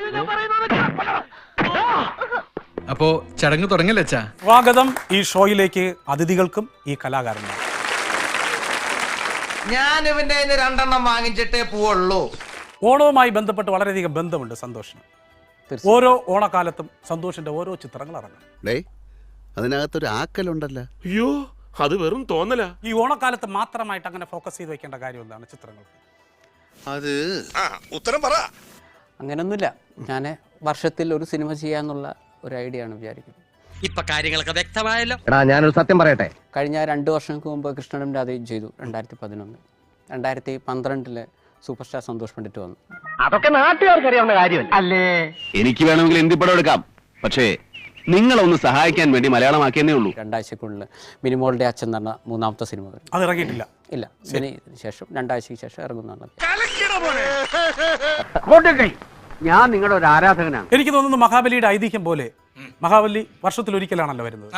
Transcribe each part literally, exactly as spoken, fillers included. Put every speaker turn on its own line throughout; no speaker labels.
അപ്പോ ചടങ്ങ് തുടങ്ങല്ലേ അച്ഛാ?
സ്വാഗതം ഈ ഷോയിലേക്ക് അതിഥികൾക്കും ഈ കലാകാരനും.
ഞാൻ ഇവന്റെ രണ്ടെണ്ണം വാങ്ങിച്ചിട്ടേ പോവുള്ളൂ.
ഓണവുമായി ബന്ധപ്പെട്ട് വളരെയധികം ബന്ധമുണ്ട് സന്തോഷിന്. ഓരോ ഓണക്കാലത്തും സന്തോഷിന്റെ ഓരോ ചിത്രങ്ങൾ ഇറങ്ങും.
അതിനകത്തൊരു ആക്കലുണ്ടല്ലോ.
അയ്യോ, അത് വെറും തോന്നല.
ഈ ഓണക്കാലത്ത് മാത്രമായിട്ട് അങ്ങനെ ഫോക്കസ് ചെയ്ത് വെക്കേണ്ട കാര്യം എന്താണ് ചിത്രങ്ങൾ?
അത്
ഉത്തരം പറ.
അങ്ങനൊന്നുമില്ല. ഞാൻ വർഷത്തിൽ ഒരു സിനിമ ചെയ്യാന്നുള്ള ഒരു ഐഡിയ ആണ് വിചാരിക്കുന്നത്.
ഇപ്പൊ കാര്യങ്ങളൊക്കെ വ്യക്തമായല്ലോ.
എടാ ഞാനൊരു സത്യം പറയട്ടെ.
കഴിഞ്ഞ രണ്ട് വർഷങ്ങൾക്ക് മുമ്പ് കൃഷ്ണനും രാധയും ചെയ്തു. രണ്ടായിരത്തി പതിനൊന്ന് രണ്ടായിരത്തി പന്ത്രണ്ടില് സൂപ്പർ സ്റ്റാർ സന്തോഷ് പണ്ഡിറ്റ് വന്നു.
അതൊക്കെ നാട്ടുകാർക്ക് അറിയാവുന്ന കാര്യമല്ല അല്ലേ?
എനിക്ക് വേണമെങ്കിൽ എന്തി പടം എടുക്കാം, പക്ഷേ നിങ്ങളൊന്ന് സഹായിക്കാൻ വേണ്ടി മലയാളമാക്കിയെന്നേ ഉള്ളൂ.
രണ്ടാഴ്ചക്കുള്ളിൽ മിനിമോളുടെ അച്ഛൻ എന്ന് പറഞ്ഞ മൂന്നാമത്തെ സിനിമ വരും.
അത് ഇറങ്ങിയിട്ടില്ല.
ഇല്ല, ഇതിന് ശേഷം രണ്ടാഴ്ചയ്ക്ക് ശേഷം ഇറങ്ങുന്നതാണ്.
ഞാൻ നിങ്ങളുടെ ഒരു ആരാധകനാണ്.
എനിക്ക് തോന്നുന്നു മഹാബലിയുടെ ഐതിഹ്യം പോലെ മഹാബലി വർഷത്തിൽ ഒരിക്കലാണല്ലോ വരുന്നത്.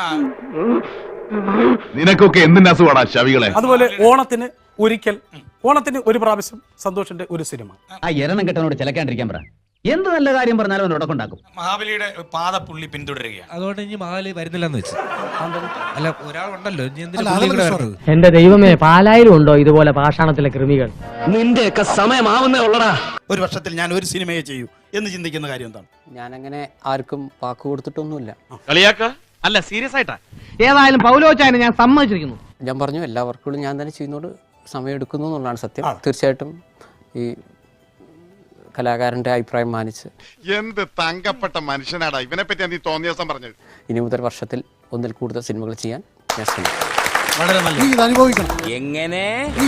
നിനക്കൊക്കെ എന്തിന്റെ അസുഖമാണ് ശവികളെ?
അതുപോലെ ഓണത്തിന് ഒരിക്കൽ, ഓണത്തിന് ഒരു പ്രാവശ്യം സന്തോഷിന്റെ ഒരു സിനിമ.
ആ എരണം കെട്ടനോട് ചിലക്കാണ്ടിരിക്കാൻ പറ. എന്ത് നല്ല കാര്യം പറഞ്ഞാലും അവൻ ഉടക്കുണ്ടാക്കും.
മഹാബലിയുടെ പാദപ്പുള്ളി പിന്തുടരുകയാണ്.
അതുകൊണ്ട് ഇനി മഹാബലി വരുന്നില്ലെന്ന് വെച്ച്. അല്ല, ഒരാളുണ്ടല്ലോ.
എന്റെ ദൈവമേ, പാലായിലും ഉണ്ടോ ഇതുപോലെ പാഷാണത്തിലെ കൃമികൾ?
നിന്റെയൊക്കെ സമയമാവുന്നേ ഉള്ളടാ.
ഒരു വർഷത്തിൽ ഞാൻ ഒരു സിനിമയെ ചെയ്യൂ എന്ന് ചിന്തിക്കുന്ന കാര്യം എന്താണ്?
ഞാനങ്ങനെ ആർക്കും വാക്ക് കൊടുത്തിട്ടൊന്നുമില്ല.
കളിയാക്ക അല്ല, സീരിയസ് ആയിട്ടാ.
ഏതായാലും പൗലോച്ചായനെ ഞാൻ സമ്മതിച്ചിരിക്കുന്നു.
ഞാൻ പറഞ്ഞു എല്ലാ വർക്കുകളും ഞാൻ തന്നെ ചെയ്യുന്നോട് സമയം എടുക്കുന്നു എന്നുള്ളതാണ് സത്യം. തീർച്ചയായിട്ടും ഈ കലാകാരന്റെ അഭിപ്രായം മാനിച്ച്.
എന്ത് തങ്കപ്പെട്ട മനുഷ്യനാടാ ഇവനെ പറ്റി നീ തോന്നിയ ദിവസം പറഞ്ഞത്.
ഇനി മുതൽ വർഷത്തിൽ ഒന്നിൽ കൂടുതൽ സിനിമകൾ ചെയ്യാൻ ഞാൻ ശ്രമിക്കും.
വളരെ നല്ല.
എങ്ങനെ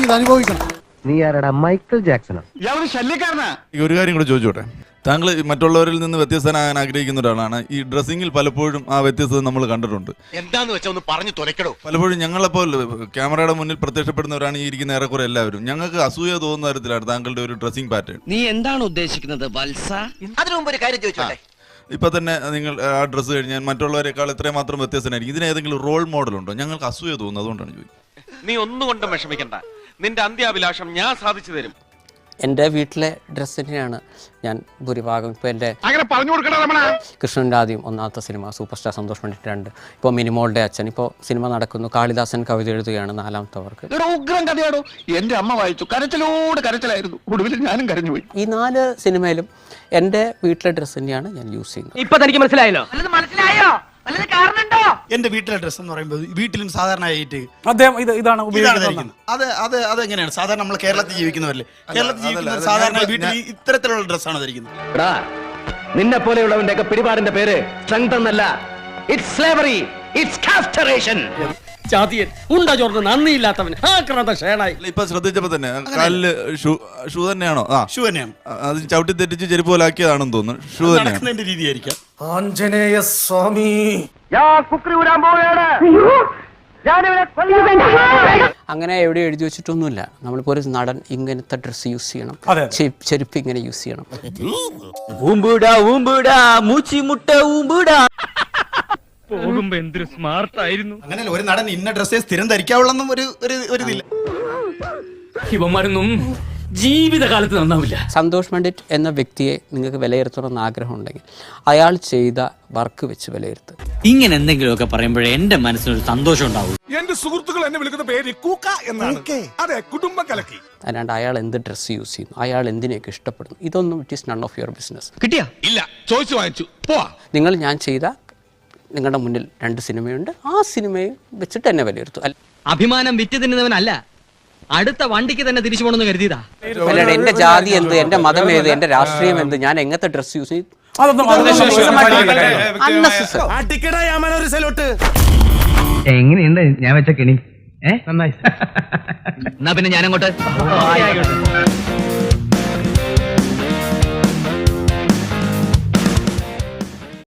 നീ ആരടാ? മൈക്കിൾ ജാക്സണോ?
ഇയാളൊരു ശല്യക്കാരനാ.
ഒരു കാര്യം കൂടെ ചോദിച്ചോട്ടെ. താങ്കൾ മറ്റുള്ളവരിൽ നിന്ന് വ്യത്യസ്തനാകാൻ ആഗ്രഹിക്കുന്ന ഒരാളാണ്. ഈ ഡ്രസ്സിങ്ങിൽ പലപ്പോഴും ആ വ്യത്യസ്തത നമ്മൾ കണ്ടിട്ടുണ്ട്.
എന്താന്ന് വെച്ചാ ഒന്ന് പറഞ്ഞു തുലക്കടോ.
പലപ്പോഴും ഞങ്ങളെപ്പോൾ ക്യാമറയുടെ മുന്നിൽ പ്രത്യക്ഷപ്പെടുന്നവരാണ് ഈ ഇരിക്കുന്ന ഏറെക്കുറെ എല്ലാവരും. ഞങ്ങൾക്ക് അസൂയ തോന്നുന്ന തരത്തിലാണ് താങ്കളുടെ ഒരു ഡ്രസ്സിംഗ് പാറ്റേൺ.
നീ എന്താണ് ഉദ്ദേശിക്കുന്നത് വത്സ?
അതിനു മുമ്പ് ഒരു കാര്യം ചോദിച്ചോട്ടെ.
ഇപ്പൊ തന്നെ നിങ്ങൾ ആ ഡ്രസ്സ് കഴിഞ്ഞാൽ മറ്റുള്ളവരെക്കാൾ എത്രയും മാത്രം വ്യത്യസ്തനായിരിക്കും. ഇതിന് ഏതെങ്കിലും റോൾ മോഡൽ ഉണ്ടോ? ഞങ്ങൾക്ക് അസൂയ തോന്നുന്നു, അതുകൊണ്ടാണ് ചോദിക്കുന്നത്.
നീ ഒന്നുകൊണ്ടും വിഷമിക്കണ്ട. നിന്റെ അന്ത്യാഭിലാഷം ഞാൻ സാധിച്ചു തരും.
എൻ്റെ വീട്ടിലെ ഡ്രസ്സ് തന്നെയാണ് ഞാൻ ഭൂരിഭാഗം. ഇപ്പോൾ എൻ്റെ
അങ്ങനെ പറഞ്ഞു കൊടുക്കണ രമണ.
കൃഷ്ണൻ്റെ ആദ്യം ഒന്നാമത്തെ cinema, superstar Santhosh Pandit രണ്ട്, ഇപ്പോൾ മിനിമോളുടെ അച്ഛൻ, ഇപ്പോൾ സിനിമ നടക്കുന്നു. കാളിദാസൻ കവിത എഴുതുകയാണ് നാലാമത്തെ വർക്ക്.
ഉഗ്രം കഥയാടോ. എന്റെ അമ്മ വായിച്ചു, കരച്ചിലോട് കരച്ചിലായിരുന്നു. ഒടുവിൽ ഞാനും കരഞ്ഞുപോയി.
ഈ നാല് സിനിമയിലും എൻ്റെ വീട്ടിലെ ഡ്രസ്സ് തന്നെയാണ് ഞാൻ യൂസ് ചെയ്യുന്നത്.
ഇപ്പൊ തനിക്ക് മനസ്സിലായല്ലോ?
മനസ്സിലായോ? എന്റെ വീട്ടിലെ ഡ്രസ് എന്ന് പറയുമ്പോൾ വീട്ടിലും സാധാരണയായിട്ട്
അദ്ദേഹം ഇത് ഇതാണ്
ഇതാണ്
ഉപയോഗിക്കുന്നത്.
ധരിക്കുന്നത്. അത് അത് അതെങ്ങനെയാണ്? സാധാരണ നമ്മൾ കേരളത്തിൽ ജീവിക്കുന്നവരല്ലേ, കേരളത്തിൽ ജീവിക്കുന്നവർ സാധാരണ വീട്ടിൽ ഇത്തരത്തിലുള്ള ഡ്രസ്സാണ് ധരിക്കുന്നത്.
നിന്നെ പോലെയുള്ളവന്റെ ഒക്കെ പിടിപാടിന്റെ പേര് സ്ട്രെങ്ത് എന്നല്ല, ഇറ്റ്സ് സ്ലേവറി, ഇറ്റ്സ് കാസ്റ്ററേഷൻ. ചാതിയൻ ഉണ്ട ചോർന്ന് നന്ദിയില്ലാത്തവൻ.
ഇപ്പൊ ശ്രദ്ധിച്ചപ്പോ തന്നെ കാലില് ഷൂ ഷൂ തന്നെയാണോ? ആ,
ഷൂ തന്നെയാണ്.
അത് ചവിട്ടി തെറ്റിച്ച് ചെരുപ്പ് പോലാക്കിയതാണെന്ന് തോന്നുന്നു. ഷൂ തന്നെയാണ്.
നടക്കുന്നതിന്റെ രീതിയായിരിക്കാം.
ആഞ്ജനേയ സ്വാമി
അങ്ങനെ എവിടെ എഴുതി വെച്ചിട്ടൊന്നുമില്ല. നമ്മളിപ്പോൾ ഒരു നടൻ ഇങ്ങനത്തെ ഡ്രസ്സ് യൂസ് ചെയ്യണം,
അതെ.
ചെ- ചെരുപ്പ് ഇങ്ങനെ യൂസ് ചെയ്യണം.
ഊമ്പുടാ ഊമ്പുടാ മൂച്ചി മുട്ട ഊമ്പുടാ. പോകുമ്പോ എന്തൊരു സ്മാർട്ട് ആയിരുന്നു.
അങ്ങനെയല്ല, ഒരു നടൻ ഇന്ന ഡ്രസ്സേ സ്ഥിരം ധരിക്കാവുള്ളെന്നും ഒരു ഒരു- ഒരു ഇതില്ല.
ഇവന്മാരൊന്നും ജീവിതകാലത്ത് നന്നാവില്ല.
സന്തോഷ് പണ്ഡിറ്റ് എന്ന വ്യക്തിയെ നിങ്ങൾക്ക് വിലയിരുത്തണമെന്ന് ആഗ്രഹമുണ്ടെങ്കിൽ അയാൾ ചെയ്ത വർക്ക് വെച്ച് വിലയിരുത്തുക.
ഇങ്ങനെ എന്തെങ്കിലുമൊക്കെ പറയുമ്പോഴേ എന്റെ മനസ്സിനൊരു സന്തോഷം ഉണ്ടാവും.
എന്റെ സുഹൃത്തുക്കൾ എന്നെ വിളിക്കുന്ന പേര് കൂക്ക എന്നാണ്. അതെ, കുടുംബം കലക്കി.
അല്ലാണ്ട് അയാൾ എന്ത് ഡ്രസ്സ് യൂസ് ചെയ്യുന്നു, അയാൾ എന്തിനെയൊക്കെ ഇഷ്ടപ്പെടുന്നു, ഇതൊന്നും it is none of your business.
കിട്ടിയാ?
ഇല്ല, ചോദിച്ചു വാങ്ങിച്ചു. പോവാ.
നിങ്ങൾ ഞാൻ ചെയ്ത നിങ്ങളുടെ മുന്നിൽ രണ്ട് സിനിമയുണ്ട്, ആ സിനിമയെ വെച്ചിട്ട് എന്നെ വിലയിരുത്തും.
അഭിമാനം വിറ്റ് തിന്നുന്നവനല്ല, അടുത്ത വണ്ടിക്ക് തന്നെ തിരിച്ചു പോകണമെന്ന് കരുതിയതാ.
അല്ലാണ്ട് എന്റെ ജാതി എന്ത്, എന്റെ മതം ഏത്, എന്റെ രാഷ്ട്രീയം എന്ത്, ഞാൻ എങ്ങനത്തെ ഡ്രസ്സ് യൂസ് ചെയ്യും,
അതൊന്നും
എങ്ങനെയുണ്ട് ഞാൻ വെച്ച കെണി? ഏ നന്നായി. എന്നാ പിന്നെ ഞാനങ്ങോട്ട്